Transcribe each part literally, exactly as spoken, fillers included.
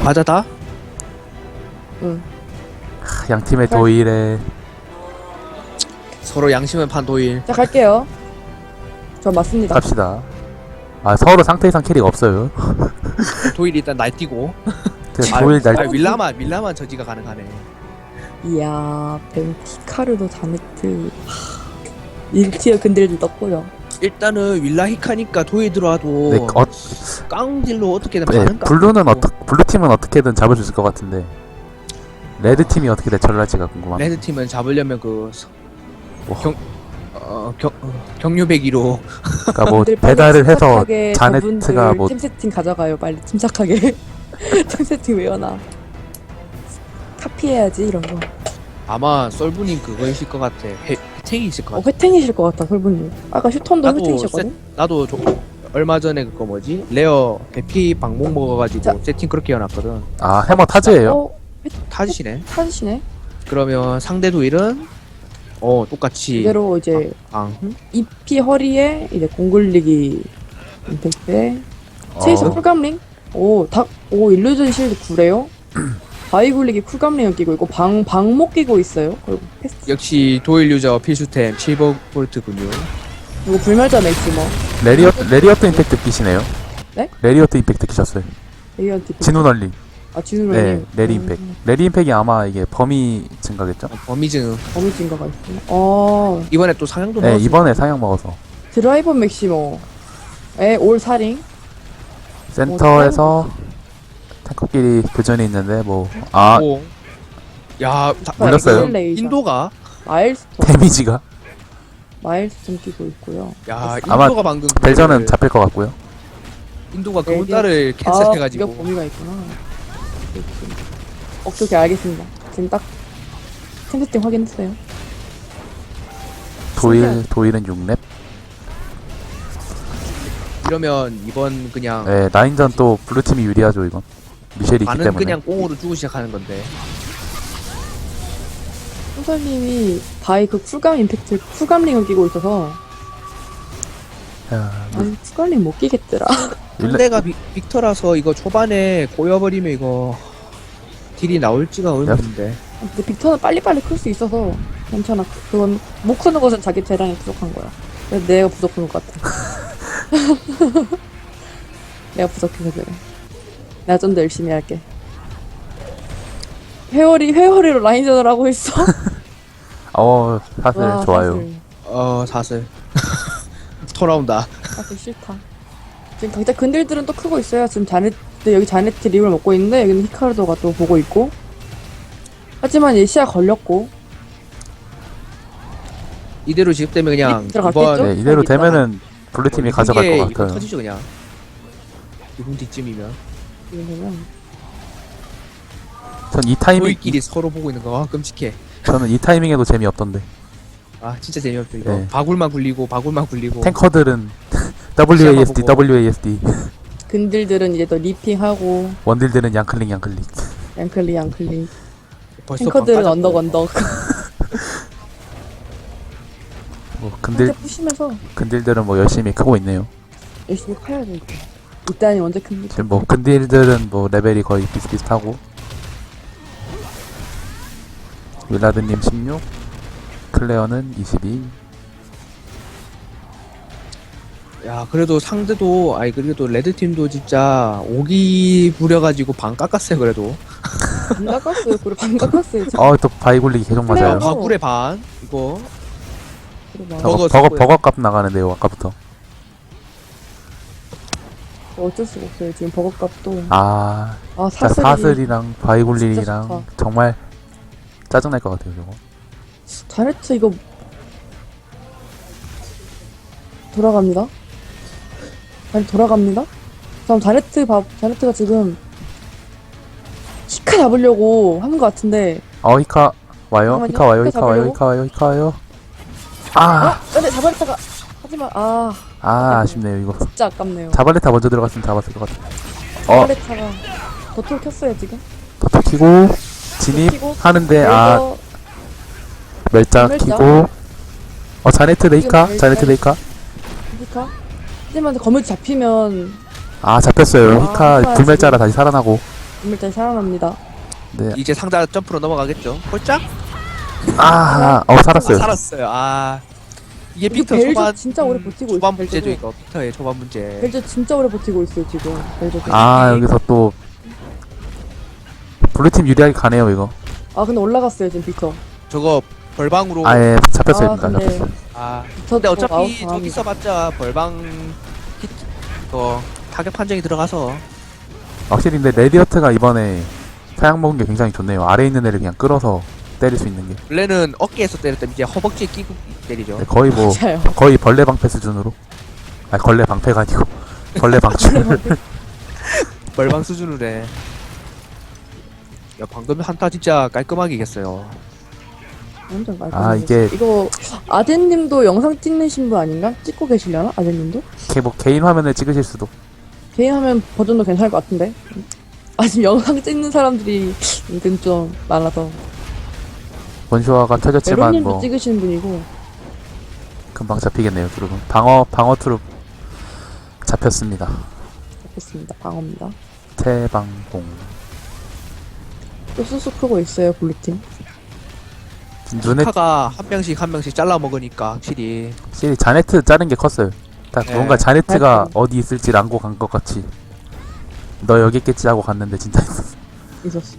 맞아 다? 응. 하, 양 팀의 도일에 서로 양심을 판 도일. 자, 갈게요. 저 맞습니다. 갑시다. 아 서로 상태 이상 캐리가 없어요. 도일 일단 날뛰고. 그 아, 도일 날 아, 윌라만 윌라만 저지가 가능하네. 이야, 벤티카르도 자네트. 일 티어 근들도 떴고요. 일단은 윌라 히카니까 도일 들어와도 네, 어, 깡딜로 어떻게든 네, 가는 까. 블루는 어떻 블루 팀은 어떻게든 잡을 수 있을 것 같은데 레드 팀이 어떻게 대처를 할지가 궁금합니다. 레드 팀은 잡으려면 그 뭐. 경, 어, 경, 어, 경유배기로 그러니까 뭐 다들 빨리 배달을 해서 침착하게 자네트가 저분들 뭐 팀 세팅 가져가요. 빨리 침착하게. 팀 세팅 외워놔. 카피해야지 이런 거. 아마 썰분님 그거 있을 것 같아. 회, 회탱이 있을 것 어, 같아. 회탱이실 것 같다, 설분님. 아까 슈톤도 나도 회탱이셨거든? 나도 저, 얼마 전에 그거 뭐지? 레어 대피 방목 먹어가지고 자. 세팅 그렇게 해놨거든. 아 해머 타즈예요? 어, 타지시네. 찾으시네. 그러면 상대 도일은 어 똑같이 이대로 이제 방. 이피 허리에 이제 공굴리기 임팩트에 체이서 어. 쿨감링? 오, 닭, 오, 일루전 실드 구래요? 바위 굴리기 쿨감링을 끼고 있고, 방, 방목 끼고 있어요. 그리고 패스. 역시 도일 유저 필수템 실버 볼트군요. 이거 불멸자 맥시머. 레리어트 레리어트 임팩트 끼시네요? 네? 레리어트 임팩트 끼셨어요. 레이언티. 진우 널리. 아, 진우 네, 널리. 레리 임팩. 레리 임팩이 아마 이게 범위 증가겠죠? 어, 범위증 범위 증가가 있구나. 어, 이번에 또 상향도 네, 넣었어. 이번에 상향 먹어서 드라이버 맥시머. 에, 올 사링. 센터에서 탱커끼리 교전이 있는데 뭐 아 오. 야, 다, 물렸어요? 레이저. 인도가 마일스톤. 데미지가 마일스톤 끼고 있고요. 야, 아마 인도가 방금 그거를- 벨전은 잡힐 것 같고요. 인도가 네, 그문달을 아, 캔슬해가지고 이거 범위가 있구나. 오케이, 오케이, 알겠습니다. 지금 딱 템세팅 확인했어요. 도일 도일은 육 렙. 이러면 이번 그냥 네, 라인전 또 블루 팀이 유리하죠 이건. 미셸이 있기 반은 때문에. 그냥 꽁으로 주고 시작하는 건데. 소설님이 바이 그 쿨감 임팩트 쿨감링을 끼고 있어서 야, 아니 쿨감링 못 끼겠더라. 일레- 상대가 빅, 빅터라서 이거 초반에 꼬여버리면 이거 딜이 나올지가 의문인데. 근데 빅터는 빨리빨리 클 수 있어서 괜찮아. 그건 못 크는 것은 자기 재량이 부족한 거야. 그래서 내가 부족한 것 같아. 내가 부족해서 그래. 내가 좀 더 열심히 할게. 회오리 회오리로 라인전을 하고 있어. 어 사실 와, 좋아요. 사실, 어 사슬 돌아온다. 사실 싫다. 지금 각자 근들들은 또 크고 있어요. 지금 자네트 여기 자네트 립을 먹고 있는데 여기는 히카르도가 또 보고 있고. 하지만 얘 시야 걸렸고. 이대로 지급되면 그냥 들어갔겠죠? 이번 네, 이대로 있다가. 되면은 블루 팀이 이번 가져갈 이게 것 이거 같아요. 터지죠 그냥. 이분 뒤쯤이면 지금 보면 전 이 타이밍 저희끼리 서로 보고 있는 거 아, 끔찍해. 저는 이 타이밍에도 재미없던데. 아 진짜 재미없죠 이거. 네. 바굴만 굴리고 바굴만 굴리고. 탱커들은 더블유 에이 에스 디, 보고. 더블유 에이 에스 디. 근들들은 이제 또 리핑하고 원딜들은 양클릭 양클릭. 양클릭 양클릭. 벌써 탱커들은 방 언덕 빠졌고. 언덕. 뭐 근딜 이제 부시면서 근딜들은 뭐 열심히 크고 있네요. 열심히 커야 돼. 이거. 일단이 언제 큽니까? 지금 뭐 근딜들은 뭐 레벨이 거의 비슷비슷하고. 윌라드님 십육, 클레어는 이십이. 야 그래도 상대도 아니 그래도 레드 팀도 진짜 오기 부려가지고 방 깎았어요 그래도. 반 깎았어요. 그래 반 깎았어요. 지금. 어 또 바위 굴리기 계속 클레어 맞아요. 봐. 바굴의 반 이거. 그래 봐. 버거 버거 버거 쓰고요. 버거 값 나가는데요 아까부터. 어쩔 수가 없어요. 지금 버거값도. 아 아 진짜 사슬이. 사슬이랑 바위 진짜 굴리기랑 좋다. 정말 짜증날 것 같아요 저거. 자네트 이거 돌아갑니다. 아니 돌아갑니다. 그럼 자네트 봐. 자네트가 지금 히카 잡으려고 하는 것 같은데. 어 히카 와요? 잠깐만요. 히카 와요? 히카 히카 와요? 잡으려고? 히카 와요? 히카 와요? 아, 아, 근데 자바레타가 하지만 아 아 아쉽네요 이거. 진짜 아깝네요. 자발레타 먼저 들어갔으면 잡았을 것 같아. 어, 자바레타가 더톨 켰어요 지금. 더 키고 진입 키고, 하는데 아 그래서 멸자 멸자. 키고 어 자네트 레이카? 지금 자네트 멸자. 레이카? 히카. 하지만 거물 잡히면 아 잡혔어요. 아, 히카 히카 불멸자라 다시 살아나고 불멸자 살아납니다. 네. 이제 상자 점프로 넘어가겠죠. 홀짝? 아, 어 아, 살았어요. 살았어요. 아 이게 이거 빅터 벨저 초반 진짜 오래 버티고 있어. 초반 문제죠 벨저도. 이거. 빅터의 초반 문제. 벨저 진짜 오래 버티고 있어요 지금. 벨저도. 아, 여기서 또 블루팀 유리하게 가네요 이거. 아 근데 올라갔어요 지금 빅터. 저거 벌방으로. 아예 잡혔어요 아 일단. 근데 잡혔어요. 아 저 근데 저거 어차피 아웃 저기 당합니다. 써봤자 벌방 히 그 타격 판정이 들어가서 확실히 근데 레디어트가 이번에 사양 먹은 게 굉장히 좋네요. 아래 있는 애를 그냥 끌어서 때릴 수 있는 게. 원래는 어깨에서 때렸더니 이제 허벅지에 끼고 때리죠. 네, 거의 뭐 맞아요. 거의 벌레 방패 수준으로. 아 걸레 방패가 아니고 벌레 방출. 벌방 수준으로 해. 야 방금 한타 진짜 깔끔하게 이겼어요. 완전 말끔. 아, 이게- 이거 아덴님도 영상 찍으신 분 아닌가? 찍고 계시려나? 아덴님도? 이렇게 뭐 개인 화면을 찍으실 수도. 개인 화면 버전도 괜찮을 것 같은데. 아 지금 영상 찍는 사람들이 은근 좀 많아서. 원쇼화가 터졌지만 메로님도 뭐 찍으시는 분이고. 금방 잡히겠네요. 트룹은 방어 방어 트룹 잡혔습니다. 잡혔습니다. 방어입니다. 태방공. 또 쑥쑥 크고 있어요 블루팀. 눈에 타가 한 명씩 한 명씩 잘라 먹으니까 확실히 확실히 자네트 자른 게 컸어요. 딱 네. 뭔가 자네트가 하여튼. 어디 있을지 랑고 간 것 같이. 너 여기 있겠지 하고 갔는데 진짜 있었어. 있었어.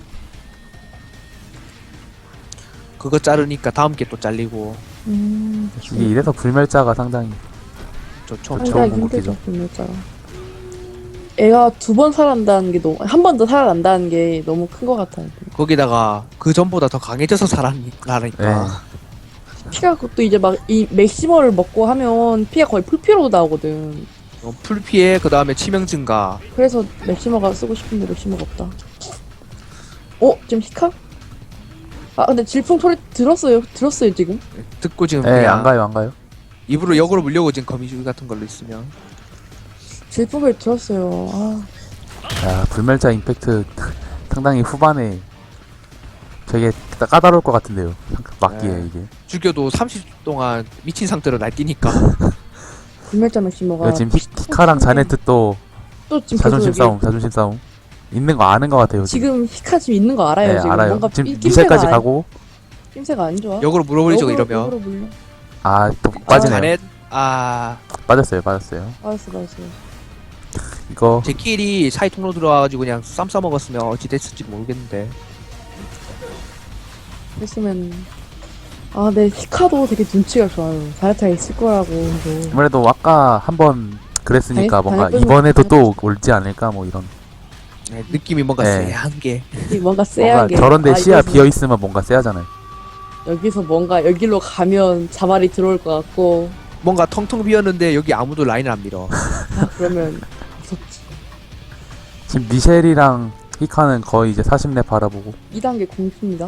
그거 자르니까 다음 게 또 잘리고 음. 이게 이래서 불멸자가 상당히 좋죠. 그쵸. 상당히 좋은 힘들죠 공격이죠. 불멸자가. 애가 두 번 살아난다는 게 너무 한 번 더 살아난다는 게 너무 큰 것 같아요. 거기다가 그 전보다 더 강해져서 살아나니까. 네. 피가 또 이제 막 이 맥시멀을 먹고 하면 피가 거의 풀피로 나오거든. 어, 풀피해 그 다음에 치명 증가. 그래서 맥시머가 쓰고 싶은데 맥시머가 없다. 어? 지금 히카? 아 근데 질풍 소리 들었어요. 들었어요 지금. 듣고 지금 네, 그냥 안 가요, 안 가요. 입으로 역으로 물려고 지금 거미줄 같은 걸로 있으면 질풍 소리 들었어요. 아 야, 불멸자 임팩트 상당히 후반에 되게 까- 까다로울 것 같은데요. 막기에 네. 이게. 죽여도 삼십 초 동안 미친 상태로 날뛰니까. 불멸자 맥시머가 이거 지금 히, 히카랑 자네트 또 또 지금 자존심 계속 여기 싸움, 자존심 싸움. 있는 거 아는 것 같아요. 지금. 지금 히카 지금 있는 거 알아요 네, 지금. 알아요. 뭔가 지금 이- 미셸까지 낌새가 가고. 안, 낌새가 안 좋아. 역으로 물어버리죠 역으로- 이러면. 역으로 물려. 아, 또 빠지네요. 자넷 아 빠졌어요, 빠졌어요. 알았어 알았어. 이거 제킬이 사이 통로 들어와가지고 그냥 쌈 싸먹었으면 어찌 됐을지 모르겠는데. 했으면 아, 네 히카도 되게 눈치가 좋아요. 자네타가 있을 거라고. 뭐. 아무래도 아까 한번 그랬으니까 당연- 뭔가 당연히 이번에도 또 올지 않을까 뭐 이런. 네, 느낌이 뭔가 네. 쎄한 게. 이 뭔가 뭔가 쎄하게. 저런데 아, 시야 이거는 비어 있으면 뭔가 쎄하잖아요. 여기서 뭔가 여기로 가면 자발이 들어올 것 같고. 뭔가 텅텅 비었는데 여기 아무도 라인을 안 밀어. 아, 그러면 무섭지. 지금 미셸이랑 히카는 거의 이제 사십 렙 바라보고. 이 단계 공수입니다.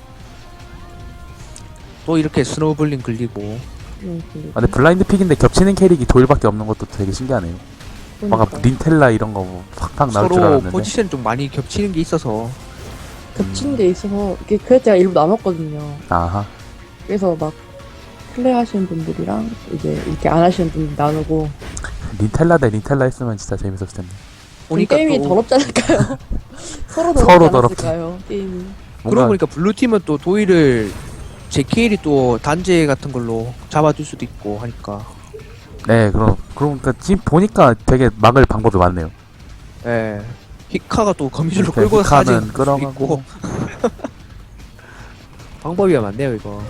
또 이렇게 스노우블링 걸리고. 음, 근데 아, 근데 블라인드 픽인데 겹치는 캐릭이 도일밖에 없는 것도 되게 신기하네요. 뭔가 그러니까. 린텔라 이런 거 뭐 팍팍 나올 줄 서로 알았는데. 포지션 좀 많이 겹치는 게 있어서. 겹치는 게 있어서 이게 그래서 제가 일부 남았거든요. 아하. 그래서 막 플레이 하시는 분들이랑 이제 이렇게 안 하시는 분들 나누고 린텔라 대 린텔라 했으면 진짜 재밌었을 텐데. 보니까 게임이 또 더럽지 않을까요? 서로 더럽지 서로 더럽지. 않았을까요? 게임이. 그러고 뭔가 보니까 블루팀은 또 도일을 제케일이 또 단제 같은 걸로 잡아줄 수도 있고 하니까. 네, 그럼 그러니까 지금 보니까 되게 막을 방법이 많네요. 예. 히카가 또 거미줄로 이렇게 끌고 가지 히카는 끌어가고. 방법이 많네요 이거.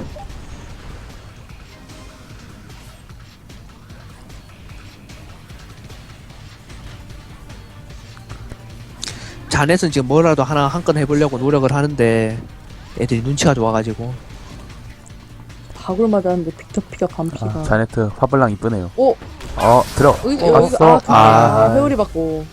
자넷은 지금 뭐라도 하나 한 건 해보려고 노력을 하는데 애들이 눈치가 좋아가지고. 박을 맞았는데 빅터 피가 반피가. 아, 자네트 화블랑 이쁘네요. 오! 어, 들어. 여기, 어, 여기, 왔어? 아, 아, 아. 아, 회오리 받고.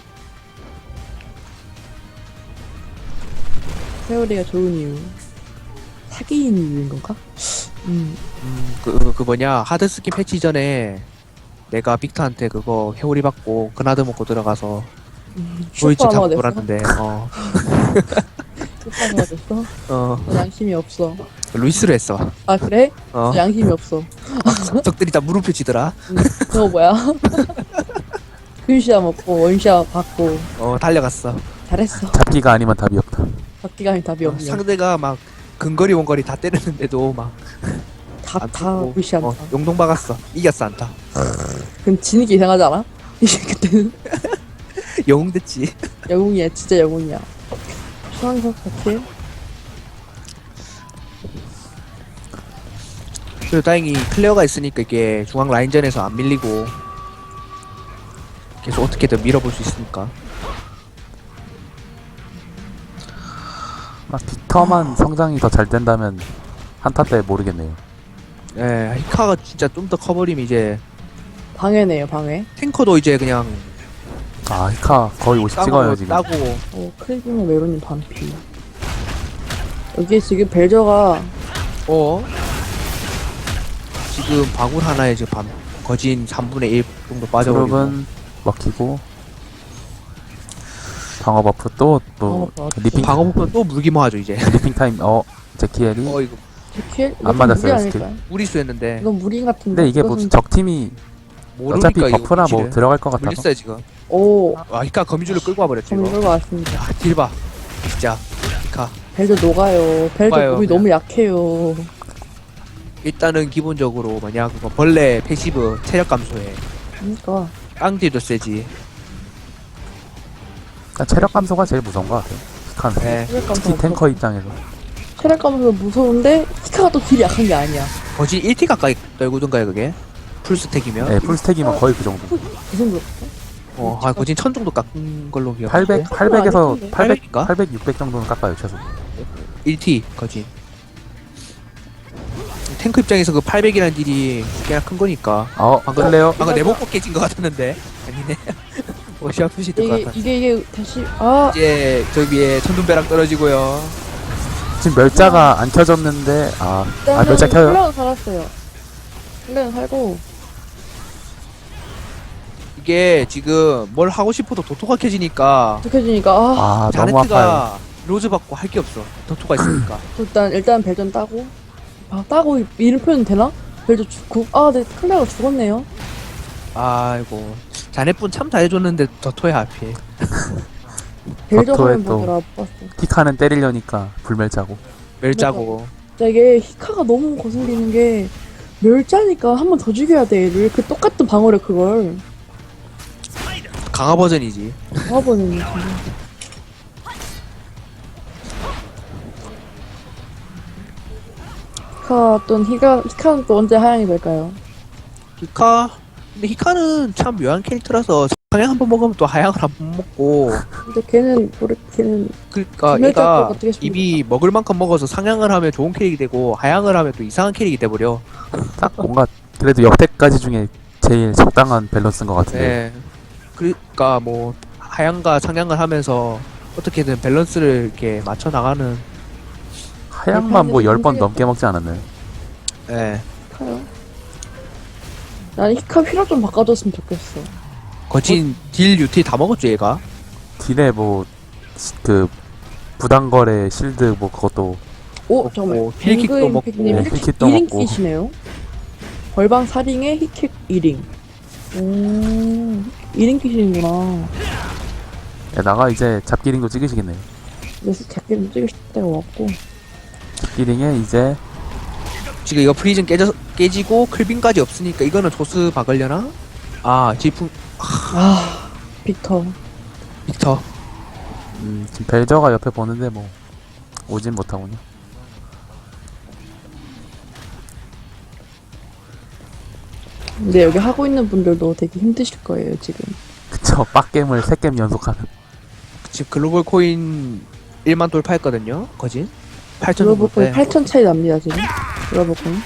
회오리가 좋은 이유. 사기인 이유인 건가? 음, 음, 그, 그, 그 뭐냐 하드스킨 패치 전에 내가 빅터한테 그거 회오리 받고 그나드 먹고 들어가서 음 도이치 슈퍼 잡고 아마가 됐어? 돌았는데 어, 슈퍼 아마가 됐어? 어 양심이 없어. 루이스로 했어. 아, 그래? 어 양심이 없어. 적들이 다 무릎 펴지더라. 음, 저거 뭐야? 근시야 먹고, 원시야 받고. 어 달려갔어. 잘했어. 잡기가 아니면 답이 없다. 잡기가 아닌 답이 없네. 상대가 막 근거리 원거리 다 때렸는데도 막 다, 안 다 죽고, 무시한다. 어, 용동 박았어. 이겼어 안타. 그럼 지는 게 이상하지 않아? 이제 그때는 영웅 됐지. 영웅이야, 진짜 영웅이야. 수상석 사킬. 그래도 다행히 클레어가 있으니까 이게 중앙 라인전에서 안 밀리고 계속 어떻게든 밀어볼 수 있으니까. 막 빅터만 성장이 더 잘 된다면 한타 때 모르겠네요. 예, 히카가 진짜 좀 더 커버리면 이제 방해네요, 방해. 탱커도 이제 그냥 아 히카 거의 오십 찍어요 땅으로 지금. 따고 어, 크리비노 메로님 반피. 여기 지금 벨저가 어 지금 방울 하나에 지금 반 거진 삼분의 일 정도 빠져버리고 드롭은 먹히고 방어 버프 또또 방어 버프. 리핑 방어 부분 또 물기만 하죠 이제. 리핑 타임 어 제키엘이 어 이거 제킬? 안 맞았어요, 무리 스킬. 아닐까요? 무리수였는데 이건 무리 같은데. 근데 이게 뭐 이것은- 적팀이 모르니까 어차피 이거 버프나 뭐 위치를. 들어갈 것 같아서 물렸어요 지금. 오, 와 히카 거미줄을 끌고 와버렸지 좀 이거. 이걸 왔습니다. 야 딜봐 진짜 히카. 벨저 녹아요. 벨저 녹아요, 몸이 그냥. 너무 약해요. 일단은 기본적으로 뭐냐 그거 벌레 패시브 체력 감소해. 그러니까. 깡딜도 세지. 일단 체력 감소가 제일 무서운 것 같아요. 히카는 네. 체력 감소가 특히 탱커 무섭- 입장에서 체력 감소 무서운데 히카가 또 딜이 약한 게 아니야. 거진 일 티 가까이 떨구던가요 그게? 풀스택이면? 네, 풀스택이면 거의 그 정도. 그 정도. 어, 아, 거진 천 정도 깎은 걸로 기억해. 팔백, 팔백에서 아니던데? 팔백, 팔백인가? 팔백, 육백 정도는 깎아요 최소. 일 티 거진. 탱크 입장에서 그 팔백이라는 딜이 꽤나 큰 거니까. 어, 방금- 클레어 방금 내복 깨진 것 같았는데 아니네. 옷이 아프시던 것 이게, 같아. 이게, 이게 다시, 아, 이제 저 위에 천둥벼락 떨어지고요. 지금 멸자가 안 켜졌는데 아, 아 일단은 멸자 켜요. 플레어는 살았어요. 플레어는 살고, 이게 지금 뭘 하고 싶어도 도토가 켜지니까 독해지니까, 아, 아 너무 아파요. 자네트가 로즈 받고 할 게 없어. 도토가 있으니까. 일단, 일단 벨전 따고, 아, 따고, 이름 표현 되나? 벨전 죽고, 아, 네, 클레어가 죽었네요. 아이고 자네분 참 잘해줬는데 도토야 하필. 벨전 버터에 화면 또- 보느라 못 봤어. 히카는 때리려니까 불멸자고. 멸자고. 진짜 이게 히카가 너무 거슬리는 게, 멸자니까 한 번 더 죽여야 돼, 얘를. 그 똑같은 방어력 그걸. 강화 버전이지. 방어버는 진짜. 히카 또 히카 히카는 또 언제 하향이 될까요? 히카 근데 히카는 참 묘한 캐릭터라서 상향 한 번 먹으면 또 하향을 한 번 먹고 근데 걔는 모르 걔는 그러니까 분멸 얘가 잡고 어떻게 싶습니까? 입이 먹을 만큼 먹어서 상향을 하면 좋은 캐릭이 되고 하향을 하면 또 이상한 캐릭이 돼버려. 딱 뭔가 그래도 역대까지 중에 제일 적당한 밸런스인 것 같은데. 네. 그러니까 뭐 하향과 상향을 하면서 어떻게든 밸런스를 이렇게 맞춰 나가는. 하향만 뭐 열 번 힘들겠다. 넘게 먹지 않았나요? 예. 히카요. 나는 히카 휘라 좀 바꿔줬으면 좋겠어. 거진 딜 유티 다 먹었죠 얘가. 딜에 뭐 그 부당거래 실드 뭐 그것도 오 먹고, 잠깐만. 힐킥도 빙그 먹고, 임팩트님 네, 힐킥 힐킥도 일 인 먹고. 끼시네요. 벌방 사 링에 힐킥 일 인. 오, 일 인 끼시는구나. 에다가 이제 잡기링도 찍으시겠네요. 그래서 작게는 찍을 때가 왔고. 잡기링에 이제 지금 이거 프리즌 깨져 깨지고 클빈까지 없으니까 이거는 조스 박으려나? 아 지풍 아, 빅터. 빅터. 음, 지금 벨저가 옆에 보는데 뭐 오진 못하군요. 근데 여기 하고 있는 분들도 되게 힘드실 거예요, 지금. 그쵸, 빡겜을 세 게임 연속하는. 지금 글로벌 코인 일만 돌파했거든요. 거진 팔천 정도. 글로벌 코인 돼. 팔천 차이 납니다, 지금. 글로벌 코인.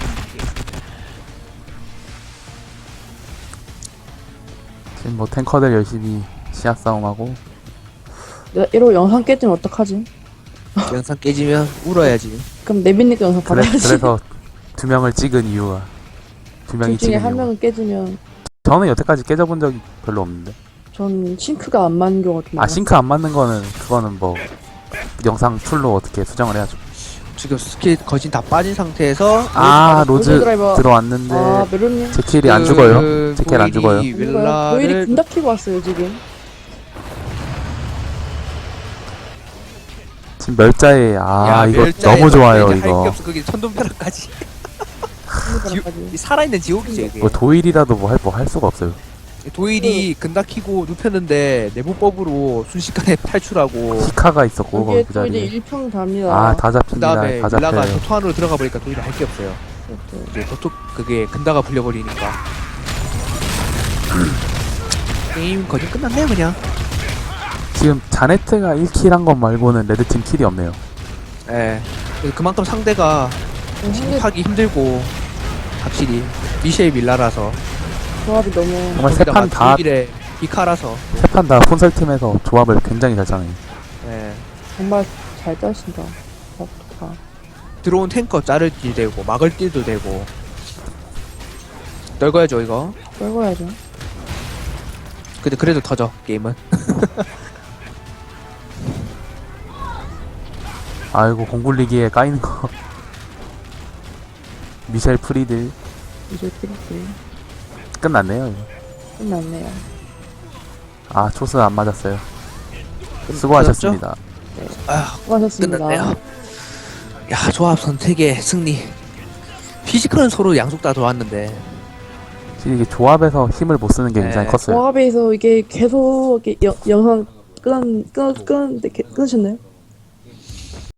지금 뭐 탱커들 열심히 시야 싸움하고 내가 이러고 영상 깨지면 어떡하지? 영상 깨지면 울어야지. 그럼 내빈니까 영상 그래, 받아야지. 그래서 두 명을 찍은 이유가 두 명이 둘 중에 찍은 한 이유가 명은 깨지면 저는 여태까지 깨져본 적이 별로 없는데 전 싱크가 안 맞는 경우가 좀 아 많아요. 싱크 안 맞는 거는 그거는 뭐 영상 툴로 어떻게 수정을 해야죠. 지금 스킬 거진 다 빠진 상태에서 아 로즈 로즈 드라이버. 들어왔는데 아, 메론님. 제킬이 안 그 죽어요. 제킬 안 고일이 죽어요. 도일이 윌라를 군다 키고 왔어요, 지금. 지금 멸자에 아 야, 이거 멸자에 너무 좋아요 할게 이거. 없어. 그게 천둥벼락까지. 까지 이 살아있는 지옥이죠 이게. 뭐 도일이라도 뭐 할 뭐 할 수가 없어요. 도일이 근다 키고 눕혔는데 내부법으로 순식간에 탈출하고 히카가 있었고 거기 여기에 그 또 이제 자리에. 일평 답니다. 아 다 그 잡힙니다. 다음에 다 밀라가 잡혀요. 도토 안으로 들어가 버리니까 도일이 할 게 없어요. 이제 도토 그게 근다가 불려버리니까 게임 거의 끝났네요 그냥. 지금 자네트가 일 킬 한 것 말고는 레드팀 킬이 없네요. 예. 그만큼 상대가 음, 상대 하기 힘들고 확실히 미셸 밀라라서 조합이 너무 정말 세 판 다 세 도일의 비카라서 판 다 폰설팀에서 조합을 굉장히 잘 짜네요. 예. 정말 잘 짜신다. 어, 다. 들어온 탱커 자를 딜 되고 막을 딜도 되고 넓어야죠 이거. 떨궈야죠. 근데 그래도 터져 게임은. 아이고 공굴리기에 까이는 거. 미셸 프리들 이제 프리트 끝났네요. 이거. 끝났네요. 아 초스 안 맞았어요. 수고하셨습니다. 아 수고하셨습니다. 끝났네요. 야 조합 선택의 승리. 피지컬은 서로 양쪽 다 좋았는데 지금 이게 조합에서 힘을 못 쓰는 게 네. 굉장히 컸어요. 조합에서 이게 계속 이렇게 여, 영상 끊, 끊, 끊었는데 끊으셨나요?